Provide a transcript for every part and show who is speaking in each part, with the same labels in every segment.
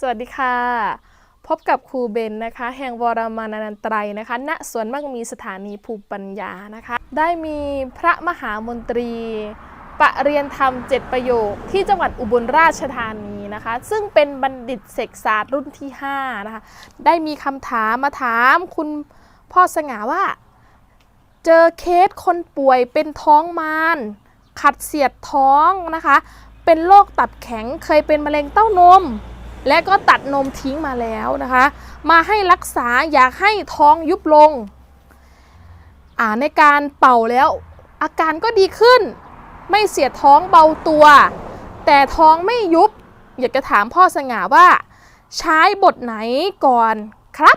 Speaker 1: สวัสดีค่ะพบกับครูเบนนะคะแห่งวรมานันตรัยนะคะณสวนมั่งมีสถานีภูมิปัญญานะคะได้มีพระมหามนตรีประเรียนธรรม7ประโยคที่จังหวัดอุบลราชธานีนะคะซึ่งเป็นบัณฑิตเสกศาสตร์รุ่นที่5นะคะได้มีคำถามมาถามคุณพ่อสง่าว่าเจอเคสคนป่วยเป็นท้องมารขัดเสียดท้องนะคะเป็นโรคตับแข็งเคยเป็นมะเร็งเต้านมและก็ตัดนมทิ้งมาแล้วนะคะมาให้รักษาอยากให้ท้องยุบลงในการเป่าแล้วอาการก็ดีขึ้นไม่เสียดท้องเบาตัวแต่ท้องไม่ยุบอยากจะถามพ่อสง่าว่าใช้บทไหนก่อนครับ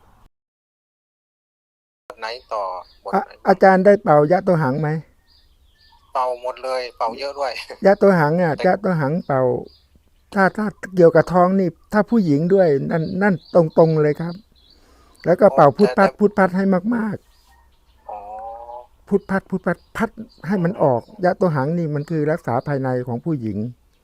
Speaker 2: บทไหนต่อบทไหน
Speaker 3: อาจารย์ได้เป่ายะตัวหังไหม
Speaker 2: เป่าหมดเลยเป่าเยอะด้วย
Speaker 3: ยะตัวหังยะตัวหังเป่าถ้าเกี่ยวกับท้องนี่ถ้าผู้หญิงด้วยนั่นตรงเลยครับแล้วก็เป่าพุทพัดให้มากๆพุทพัดพัดให้มันออกยะตัวหังนี่มันคือรักษาภายในของผู้หญิง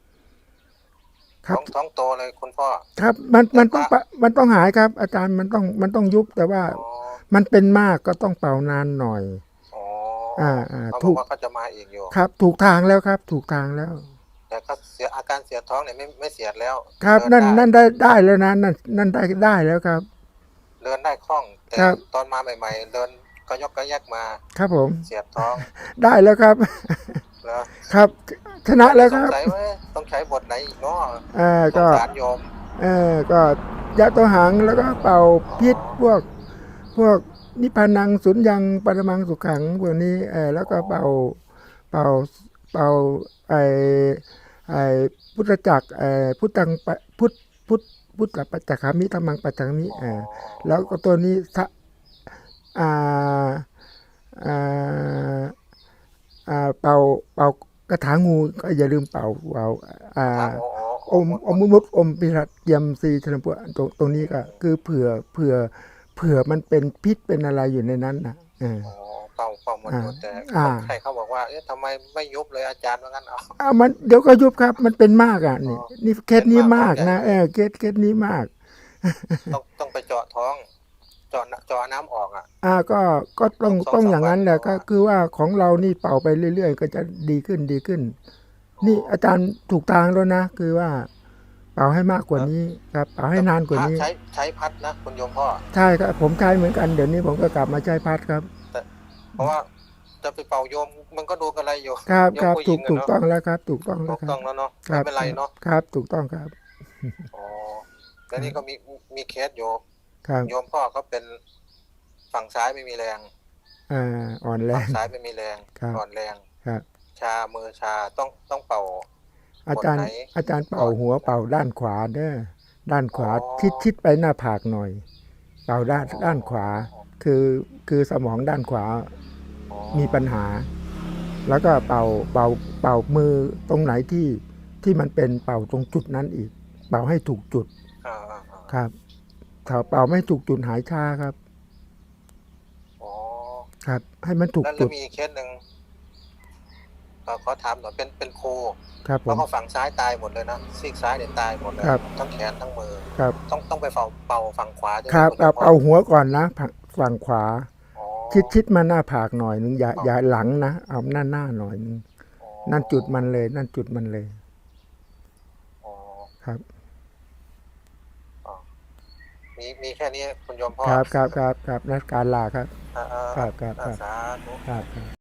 Speaker 3: ครับ
Speaker 2: ท้องโตเลยคุณพ่อ
Speaker 3: ครับมันต้องหายครับอาจารย์มันต้องยุบแต่ว่ามันเป็นมากก็ต้องเป่านานหน่อย
Speaker 2: ถูกว่าเขาจะมาเองอยู่
Speaker 3: ครับถูกทางแล้วครับถูกทางแล้ว
Speaker 2: แต่ก็เสียอาการเสียท้องเนี่ยไม่เสียแล้ว
Speaker 3: ครับนั่นได้แล้วนะนั่นได้แล้วครับ
Speaker 2: เดินได้คล่องแต่ตอนมาใหม่ๆเดินก็ยกก็แยกมา
Speaker 3: ครับผม
Speaker 2: เสียท้อง
Speaker 3: ได้แล้วครับครับชนะแล้วครับ
Speaker 2: ต้องใช้บทไหนอีกเนาะ
Speaker 3: ก็
Speaker 2: สารโยม
Speaker 3: ก็ยะตัวหังแล้วก็เป่าพิษพวกนิพพานังสุญญังปรมังสุขังพวกนี้แล้วก็เป่าไอพุทธจักรพุทธังพุทธปัจจคามิธัมมังปัจจคามิแล้วก็ตัวนี้เป่ากระถางูก็อย่าลืมเป่าอมมุดอมพิรัตเยมซีธนปุตรงนี้ก็คือเผื่อมันเป็นพิษเป็นอะไรอยู่ในนั้นนะ
Speaker 2: เป่าหมดแต่ใครเขาบอกว่าทำไมไม่ยุบเลยอาจารย์ว่างั้น
Speaker 3: มันเดี๋ยวก็ยุบครับมันเป็นมากนี่เคสนี้มากนะเคสนี้มาก
Speaker 2: ต้องไปเจาะท้องเจาะน้ำออก
Speaker 3: ก็ต้องอย่างนั้นแหละก็คือว่าของเรานี่เป่าไปเรื่อยๆก็จะดีขึ้นนี่อาจารย์ถูกทางแล้วนะคือว่าเป่าให้มากกว่านี้ครับเป่าให้นานกว่านี้
Speaker 2: ใช้พัดนะคุณโยมพ่อ
Speaker 3: ใช่ครับผมใช้เหมือนกันเดี๋ยวนี้ผมก็กลับมาใช้พัดครับ
Speaker 2: เพราะว่าจะไปเป่าโยมมันก็ดูกันอะไรอยู่
Speaker 3: ครับถูกต้องแล้วครับถูกต้อง
Speaker 2: แล้วเนาะไม่เป็นไรเนาะ
Speaker 3: ครับถูกต้องครับ
Speaker 2: แล้วนี่ก็มีเคสอยู่โยมพ่อเขาเป็นฝั่งซ้ายไม่มีแรง
Speaker 3: อ่อนแรง
Speaker 2: ฝั่งซ้ายไม่มีแรงอ่อนแรง
Speaker 3: ครับ
Speaker 2: ชามือชาต้องเป่า
Speaker 3: อาจารย์เป่าหัวเป่าด้านขวาเด้อด้านขวาชิดไปหน้าผากหน่อยเป่าด้านขวาคือสมองด้านขวามีปัญหาแล้วก็เป่ามือตรงไหนที่มันเป็นเป่าตรงจุดนั้นอีกเป่าให้ถูกจุดครับถ้าเป่าไม่ถูกจุดหายชาครับครับให้มันถูกจุด
Speaker 2: แล้วมีเคสหนึ่งขอถามหน่อยเป็นโค
Speaker 3: ครับ
Speaker 2: แล้วก็ฝั่งซ้ายตายหมดเลยนะซีกซ้ายเนี่ยตายหมดเลยทั้งแขนทั้งมือ
Speaker 3: ครับ
Speaker 2: ต้องไปเป่าฝั่งขวา
Speaker 3: ครับเอาหัวก่อนนะฝั่งขวาชิดมาหน้าผากหน่อยนึงอย่าหลังนะเอาหน้าหน่อยนึงนั่นจุดมันเลยครับ
Speaker 2: มีแค่นี้คุณโยมพ่อ
Speaker 3: ครับนักการลาครับครับ